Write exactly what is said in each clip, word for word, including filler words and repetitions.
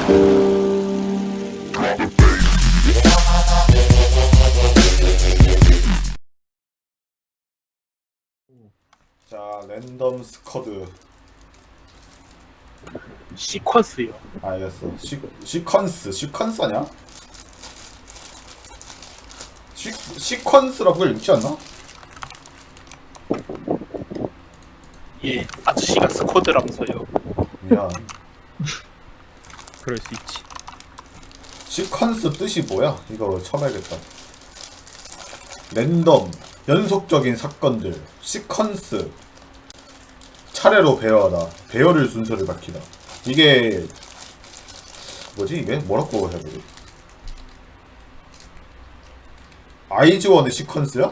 자, 랜덤 스쿼드. 시퀀스요. 알겠어. 시, 시퀀스. 시퀀스 아니야? 시, 시퀀스라고 읽지 않나? 예, 아저씨가 스쿼드라면서요. 미안. 그럴 수 있지. 시퀀스 뜻이 뭐야? 이거 처음 알겠다. 랜덤, 연속적인 사건들, 시퀀스, 차례로 배열하다, 배열을 순서를 밝히다. 이게 뭐지 이게? 뭐라고 해야 되지? 아이즈원의 시퀀스야?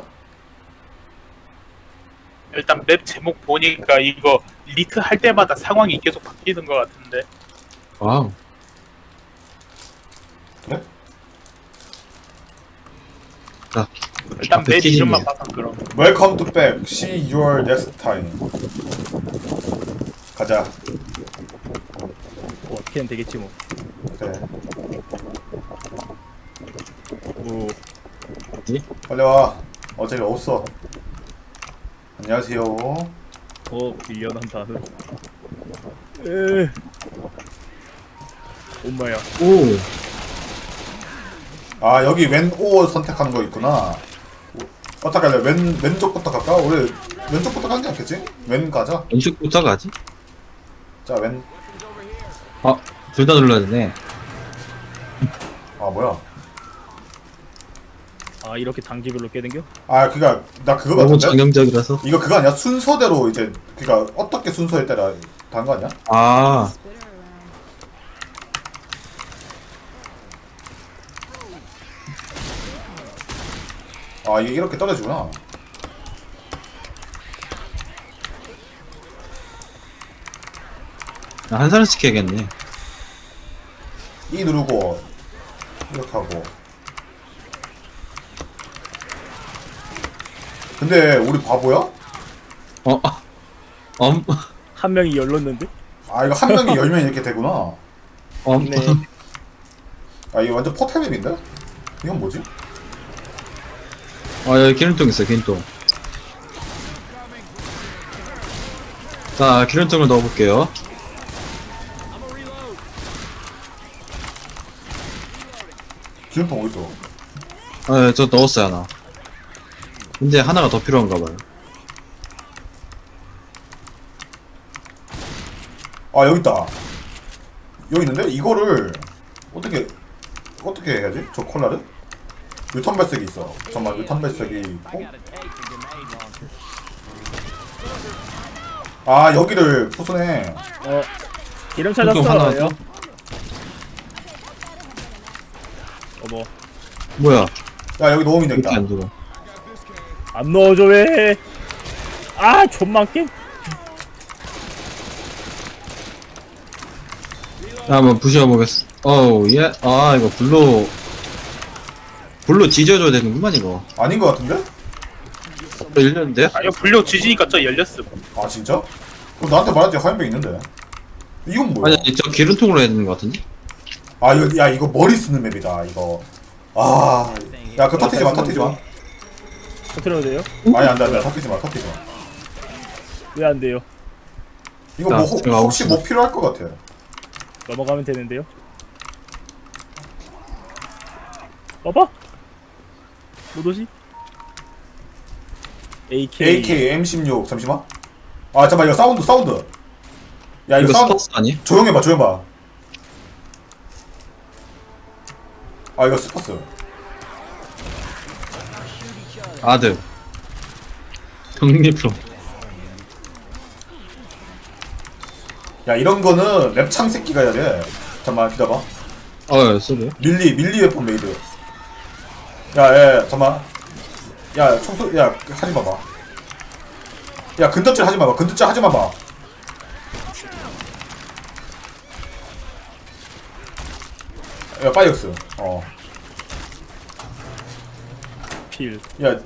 일단 맵 제목 보니까 이거 리트 할 때마다 상황이 계속 바뀌는 것 같은데. 와우. 그래? 자, 일단 앞에 맵 튀기네. 이름만 봐서 그럼. Welcome to back. See your next time. 가자. 뭐 어떻게든 되겠지 뭐. 그래. 뭐 뭐지? 빨리 와. 어차피 없어. 안녕하세요. 어, 밀려난 단어. 에. 엄마야. 오. 아 여기 왼 오 선택하는 거 있구나. 어떻게 할래? 왼 왼쪽부터 갈까? 우리 왼쪽부터 가는 게 낫겠지? 왼 가자. 왼쪽부터 가지? 자 왼. 아, 둘 다 눌러야 되네. 아 뭐야? 아, 이렇게 단계별로 깨댕겨? 아 그니까 나 그거 너무 같은데? 정형적이라서. 이거 그거 아니야? 순서대로 이제 그니까 어떻게 순서에 따라 다른 거 아니야? 아, 아 이게 이렇게 떨어지구나. 나 한 사람씩 해야겠네. 이 누르고 이렇게 하고. 근데 우리 바보야? 어, 아, 엄, 한 명이 열렀는데? 아 이거 한 명이 열면 이렇게 되구나. 엄. 네. 아 이거 완전 포탈맵인데? 이건 뭐지? 아, 여기 기름통 있어, 기름통. 자, 기름통을 넣어볼게요. 기름통 어딨어? 아, 저 넣었어요, 하나. 근데 하나가 더 필요한가 봐요. 아 여기 있다. 여기 있는데 이거를 어떻게 어떻게 해야지? 저 콜라를? 유턴 발색이 있어. 잠깐만 유턴 발색이 있고. 아 여기를 부수네. 어, 기름 기름통 하나 찾았어요. 더? 어머, 뭐야? 야 여기 놓으면 이렇게 되겠다. 안 들어. 안 넣어줘 왜? 아, 존만 게. 자, 한번 부셔보겠어. 어우, 예. 아, 이거 불로, 불로 지져줘야 되는구만, 이거. 아닌 것 같은데? 어, 열렸는데요? 아 이거 불려 지지니까 저 열렸음. 아 진짜? 그럼 나한테 말하지 하얀병 있는데. 이건 뭐야? 아니, 저 기름통으로 해야 되는 것 같은데? 아 이거 야 이거 머리 쓰는 맵이다 이거. 아, 야 그거 터트리지 마 터트리지 마. 터트려도 돼요? 아니 안돼 안돼 터트리지 마 터트리지 마. 왜 안 돼요? 이거 아, 뭐 혹- 제가 혹시 아웃이다. 뭐 필요할 것 같아. 넘어가면 되는데요? 봐봐. 못 오지? 에이케이. 에이케이 엠 십육 잠시만. 아 잠깐만 이거 사운드 사운드. 야 이거 이거 사운드 스퍼스 아니? 조용해봐 조용해봐. 아 이거 스퍼스. 아들. 독립품. 야 이런 거는 랩창 새끼가 해야 돼. 잠깐만 기다봐. 어, 쏘네. 밀리 밀리 웨폰 메이드. 야야 잠깐만. 야 청소 야 하지 마봐. 야 근접질 하지 마봐. 근접질 하지 마봐. 야 파이어스. 어. 필. 야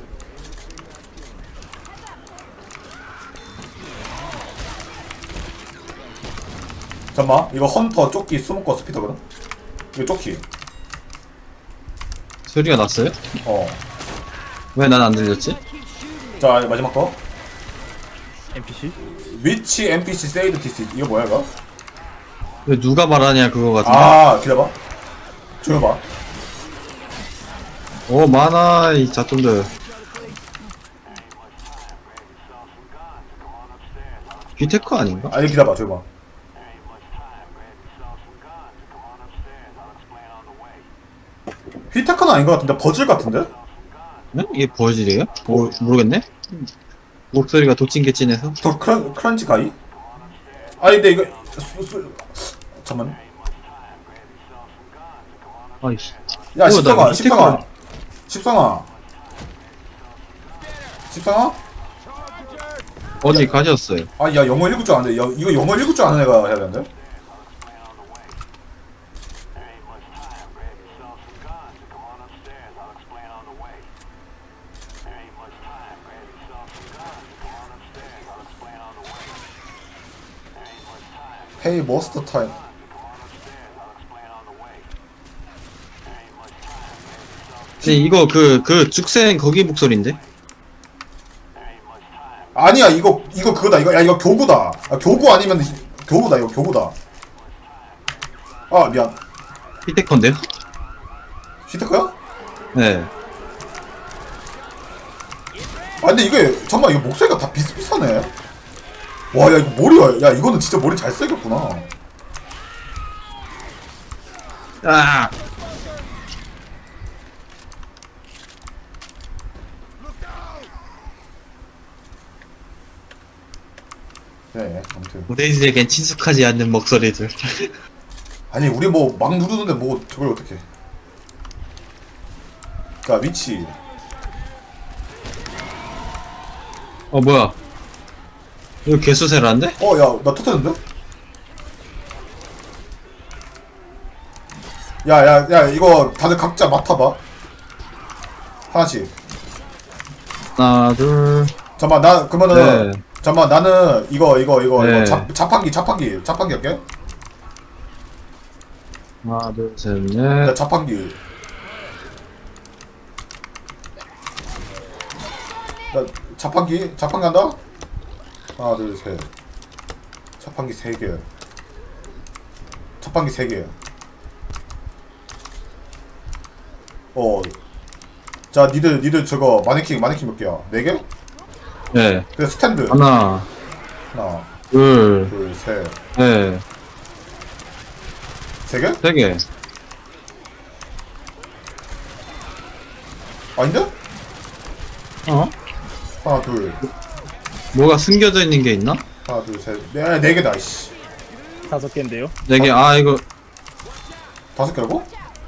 잠깐만 이거 헌터 조끼 스모커 스피터거든? 이거 조끼 소리가 났어요? 어 왜 난 안 들렸지? 자 마지막 거 엔피씨? 위치 엔피씨 세이드 디스 이거 뭐야 이거? 왜 누가 말하냐 그거 같은데. 아 기다려봐 조여봐 오 많아 이 자tom들. 귀테크 아닌가? 아니 기다려봐 조여봐 휘테크는 아닌 것 같은데 버즐 같은데? 네? 이게 버질이에요? 오, 모르겠네? 목소리가 도찐개찐해서. 더 크런, 크런치 가이? 아니 근데 이거 수, 수, 잠깐만 아이씨. 야 어, 십성아 나 십성아 십성아 십성아? 어디 가셨어요? 아야 영어 읽을 줄 아는데 야, 이거 영어 읽을 줄 아는 애가 해야 되는데? Hey most time 근데 이거 그, 그 죽생 거기 목소리인데? 아니야 이거 이거 그거다 이거 야 이거 교구다 아, 교구 아니면 교구다 이거 교구다 아 미안 히테커인데요? 히테크야? 네. 아 근데 이게 잠깐만 이거 목소리가 다 비슷비슷하네 와 야 이거 머리가 야 이거는 진짜 머리 잘 새겼구나 아! 네 아무튼 우리들에겐 친숙하지 않는 목소리들. 아니 우리 뭐 막 누르는데 뭐 저걸 어떻게 자 위치 어, 뭐야. 이거 개수세라인데? 어 야 나 터뜨렸는데? 야야 야 이거 다들 각자 맡아봐 하나씩 하나, 둘. 잠깐만 나 그러면은 네. 잠깐만 나는 이거 이거 이거 네. 이거 자, 자판기 자판기 자판기 할게 하나, 둘, 셋, 나 넷. 자판기 나 자판기 자판기 한다 하나 둘셋 자판기 세개 자판기 세개 어 자 니들 니들 저거 마네킹 마네킹 몇 개야 네 개? 네. 그래 스탠드 하나, 하나 둘, 둘셋 넷. 세 개? 세 개. 아닌데? 어? 하나 둘 뭐가 숨겨져 있는 게 있나? 하나 둘셋네 네 개다 이씨 다섯 개인데요. 네 개. 아, 이거 다섯 개라고?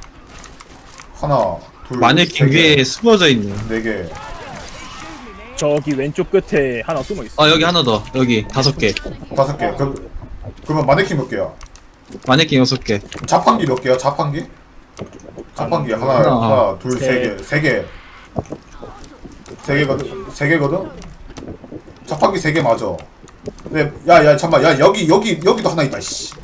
하나 둘 마네킹 위에 숨어져 있네. 네개 저기 왼쪽 끝에 하나 숨어 있어. 아, 여기 하나 더. 여기 다섯 개. 다섯 개 그, 그러면 마네킹 몇 개야? 마네킹 여섯 개. 자판기 몇 개야? 자판기? 자판기 하나, 하나, 하나, 둘, 세 셋. 개, 세 개. 세 개거든? 세 개거든? 자판기 세 개 맞아. 네, 야, 야, 잠깐만, 야, 여기, 여기, 여기도 하나 있다, 씨.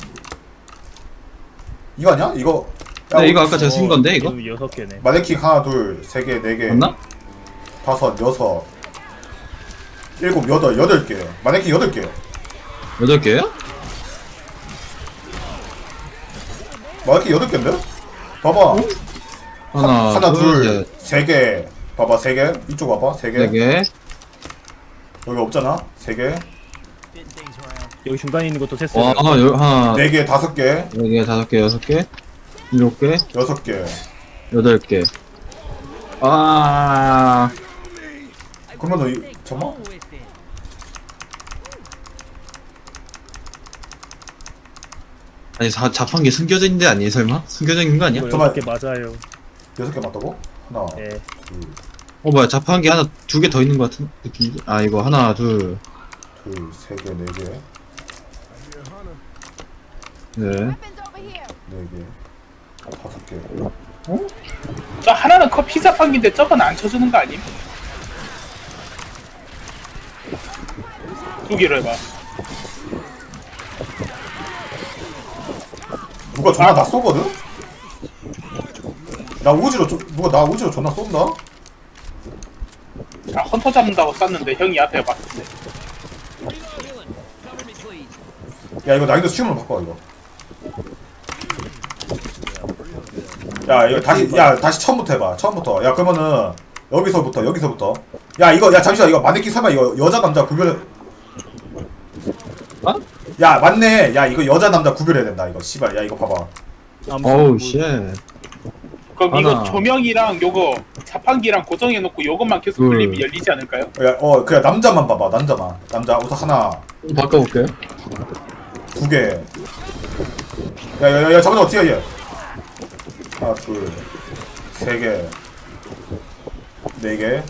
이거 아니야? 이거. 야, 네, 이거 우리 아까 제가 쓴 건데, 이거? 이거 여섯 개네. 마네킹 하나, 둘, 세 개, 네 개, 맞나? 다섯, 여섯, 일곱, 여덟, 여덟 개. 마네킹 여덟 개. 여덟 개요? 마네킹 여덟 개인데? 봐봐. 하나, 하나, 둘, 둘, 셋, 세 개. 봐봐, 세 개. 이쪽 봐봐, 세 개. 네 개. 여기 없잖아, 세 개. 여기 중간에 있는 것도 셌어요. 와, 하나, 열, 하나, 네 개, 다섯 개, 네 개, 다섯 개, 여섯 개, 일곱 개, 여섯 개. 여덟 개. 아, 그러면 이 잠깐. 아니 자, 자판기 숨겨져 있는 데 아니에요 설마? 숨겨져 있는 거 아니야? 이거 잠깐만. 여섯 개 맞아요. 여섯 개 맞다고? 하나, 네. 둘, 어 뭐야 자판기 하나 두 개 더 있는 거 같은 느낌인데? 아 이거 하나 둘, 둘, 세 개, 네 개, 네. 네 개, 다섯 개. 저 하나는 커피 자판기인데 저건 안 쳐주는 거 아님? 두 개로 해봐. 누가 존나 나 쏘거든? 나 우지로 조, 누가 나 우지로 존나 쏜다? 아 헌터 잡는다고 쐈는데 형이 앞에 봤는데. 야 이거 난이도 쉬움으로 바꿔 이거. 야 이거 다시 야 다시 처음부터 해봐. 처음부터. 야 그러면은 여기서부터 여기서부터. 야 이거 야 잠시만 이거 마네킹 설마 이거 여자 남자 구별해. 어? 야 맞네. 야 이거 여자 남자 구별해야 된다 이거. 씨발 야 이거 봐봐. 어우 쉣. 그럼 하나. 이거 조명이랑 요거 자판기랑 고정해놓고 요것만 계속 둘. 돌리면 열리지 않을까요? 야 어 그냥 남자만 봐봐. 남자만. 남자 우선 하나 바꿔볼게요. 두 개. 야야야 잠깐만 어떻게 해? 하나 둘 세 개. 네 개.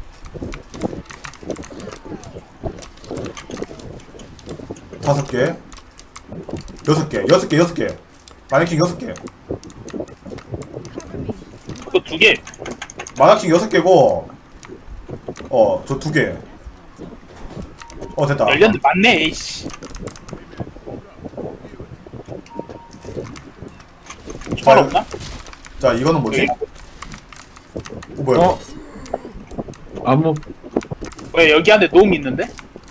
다섯 개. 여섯 개. 여섯 개. 여섯 개. 마네킹 여섯 개. 그거 두 개. 마네킹 여섯 개고. 어, 저 두 개. 어, 됐다. 열렸는데 맞네. 에이씨. 철 없나? 자, 이거는 뭐지? 여기? 어, 뭐야? 어? 아무 왜 여기 안에 놈 있는데?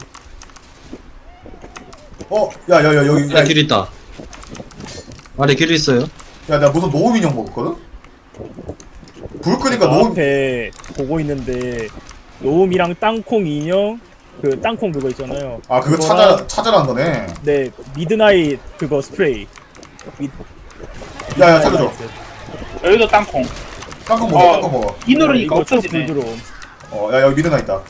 어, 야, 야, 야, 여기. 야, 아래 길 있다. 아래 길 있어요. 야, 나 무슨 노움 인형 먹었거든? 불 끄니까 노움. 앞에 보고 있는데 노움이랑 땅콩 인형 그 땅콩 그거 있잖아요. 아, 그거 그거랑- 찾아, 찾아라는 거네. 네 미드나잇 그거 스프레이. 미, 야, 야, 살려줘. 여기도 땅콩. 땅콩 먹어, 어. 땅콩 먹어. 이 누르니까 이거 쭉 없어지네. 불들어옴. 어, 야, 여기 미드나 있다.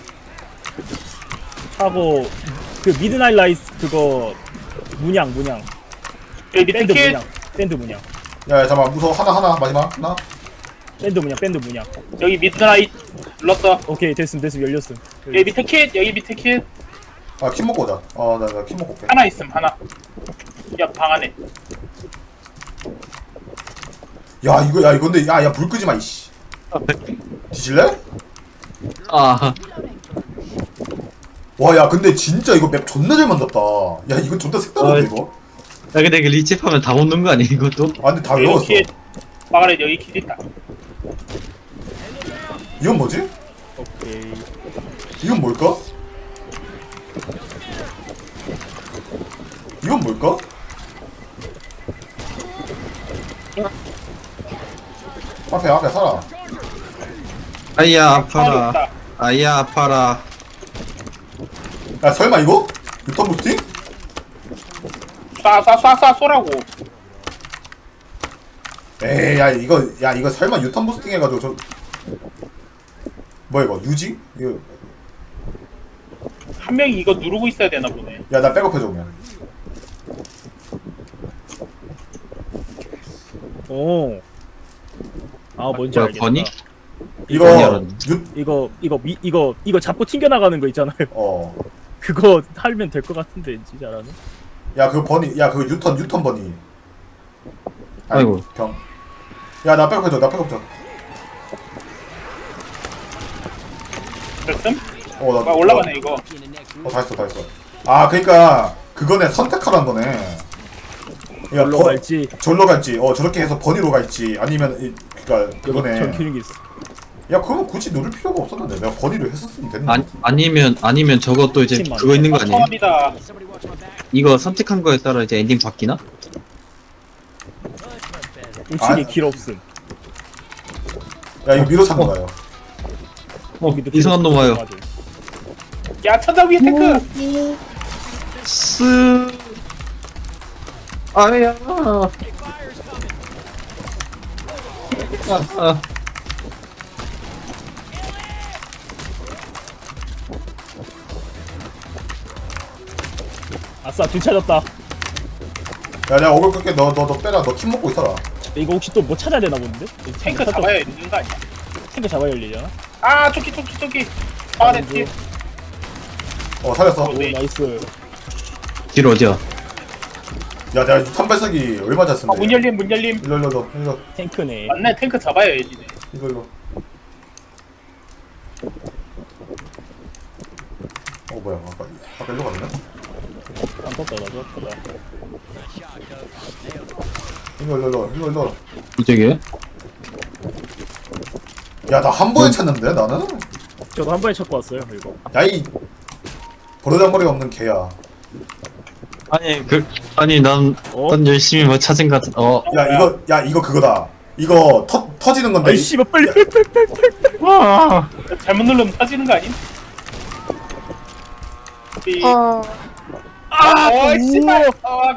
하고 그 미드나잇 라이스 그거 문양 문양 여기 밑에 밴드 킷. 문양 밴드 문양 야, 야, 잠깐만. 무서워. 하나, 하나. 마지막. 하나. 밴드 문양 밴드 문양. 여기 미드나잇 눌렀어. 오케이 됐음 됐음 열렸음. 여기 밑에 킷. 여기 밑에 킷. 아, 킴 먹고 오자. 어, 나, 나 킴 먹고 올게. 하나 있음 하나. 야 방 안에. 야, 이거, 야, 이거 근데, 야, 야, 불 끄지 마, 이씨. 뒤질래? 아 와, 야, 근데 진짜 이거 맵 존나 잘 만들었다. 야, 이거 존나 색다른데, 어이. 이거? 야 근데 이거 리치하면 다 먹는 거 아니야 이것도? 아, 근데 다 여기 외웠어. 킷. 방 안에 여기 킷 있다. 이건 뭐지? 오케이. 이건 뭘까? 이건 뭘까? 앞에, 앞에 살아. 아이야 아, 아파라. 없다. 아이야 아파라. 야, 설마 이거? 유턴 부스팅? 쏴쏴쏴쏴 쏘라고. 에이, 야, 이거, 야, 이거 설마 유턴 부스팅 해가지고 저. 뭐야, 이거? 유지? 이거. 한 명이 이거 누르고 있어야 되나 보네. 야, 나 백업해줘, 그냥. 오. 아 뭔지 뭐야, 알겠다. 버니? 이거, 많이 알았네. 유, 이거 이거 미 이거 이거 잡고 튕겨 나가는 거 있잖아요. 어. 그거 하면 될 것 같은데 진짜 잘하네. 야, 그 버니, 야, 그 유턴, 유턴 버니. 아니, 아이고. 병. 야, 나 백업해줘, 나 백업해줘. 됐음? 어, 나. 아, 올라가네 이거. 어, 다 했어, 다 했어. 아, 그니까, 그거네, 선택하라는 거네. 야, 올로 버, 갈지. 절로 갈지, 어, 저렇게 해서 버니로 갈지, 아니면, 이, 그니까, 그거네. 전 기능이 있어. 야, 그러면 굳이 누를 필요가 없었는데, 내가 버니로 했었으면 됐는데. 아니 아니면 아니면 저것도 이제 팀만. 그거 있는 거 아니에요? 처음이다. 이거 선택한 거에 따라 이제 엔딩 바뀌나? 우측에 아. 길 없음. 야, 이거 미로 찾는 거예요. 어 여기도 길 이상한 놈 없음. 와요. 맞아. 야 천장 위에 탱크. 쓰 아야 아, 아. 아싸 둘 찾았다. 야, 내가 어글 끌게, 너, 너, 너 빼라, 너 킴 먹고 있어라. 이거 혹시 또 뭐 찾아야 되나 본데? 탱크 찾아- 잡아야 있는 거 아니야? 탱크 잡아야 열리잖아. 아 저기 저기 저기. 방 안에 왼쪽. kit. 어, 살렸어. 어, 네. 오 나이스. 길 어디야? 야, 내가 유탄 발사기 얼마 잘 쓴데. 아, 문 열림 문 열림. 일로, 일로, 일로, 일로, 탱크네. 맞네 탱크 잡아야 열리네. 일로, 일로. 어, 뭐야, 아까, 아까 일로 갔네? 안 떴다 나 떴다. 일로 일로 일로 일로 일로. 이쪽이에요? 야나 한 번에 찾는데 나는? 저도 한 번에 찾고 왔어요 이거. 야이 버르장머리가 없는 개야. 아니 그 아니 난, 어? 난 열심히 뭐 찾은 것 같은 어 야 이거 야 이거 그거다. 이거 터 터지는 건데. 아이 씨발 빨리 빨리 빨리 빨리 빨리. 와. 잘못 누르면 터지는 거 아님? 삐. 어. 아, 어, 씨발. 우와. 아,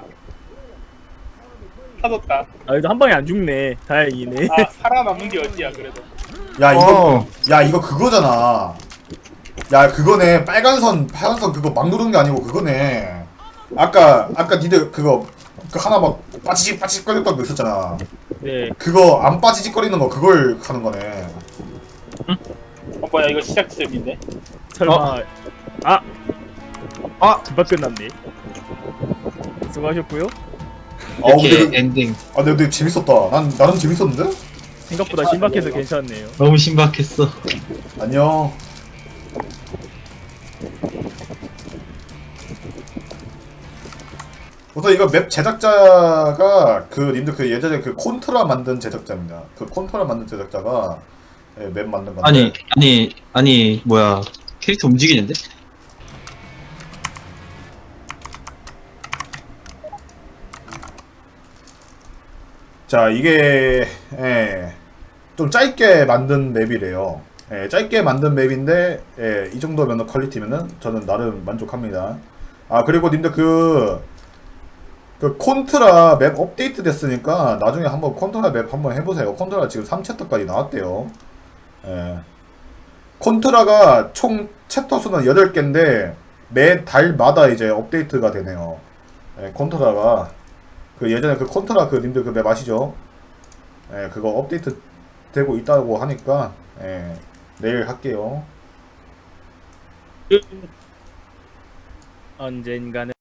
터졌다. 아 그래도 한 방에 안 죽네. 다행이네. 아, 살아남는 게 어디야 그래도. 야 이거 어. 야 이거 그거잖아. 야 그거네. 빨간 선 파란 선 그거 막 누르는 게 아니고 그거네. 아까 아까 니들 그거 그 하나 막 빠지직 빠지직 거렸던 거 있었잖아. 네. 그거 안 빠지직거리는 거 그걸 하는 거네. 어, 뭐야 이거 시작 지점인데. 설마. 어? 아 아 금방 끝났네. 수고하셨고요. 아 근데 이렇게 그, 엔딩 아 근데, 근데 재밌었다. 난 나는 재밌었는데? 생각보다 신박해서 괜찮네요. 너무 신박했어. 안녕. 우선 이거 맵 제작자가 그 님들 그 예전에 그 콘트라 만든 제작자입니다. 그 콘트라 만든 제작자가 예, 맵 만든 건데. 아니 아니 아니 뭐야 캐릭터 움직이는데? 자 이게 예, 좀 짧게 만든 맵이래요. 예, 짧게 만든 맵인데 예, 이 정도면 퀄리티면은 저는 나름 만족합니다. 아 그리고 님들 그, 그 콘트라 맵 업데이트 됐으니까 나중에 한번 콘트라 맵 한번 해보세요. 콘트라 지금 삼 챕터까지 나왔대요. 예. 콘트라가 총 챕터 수는 여덟 개인데 매 달마다 이제 업데이트가 되네요. 예, 콘트라가 그 예전에 그 콘트라 그 님들 그 맵 아시죠? 예, 그거 업데이트 되고 있다고 하니까 예, 내일 할게요. 언젠가는.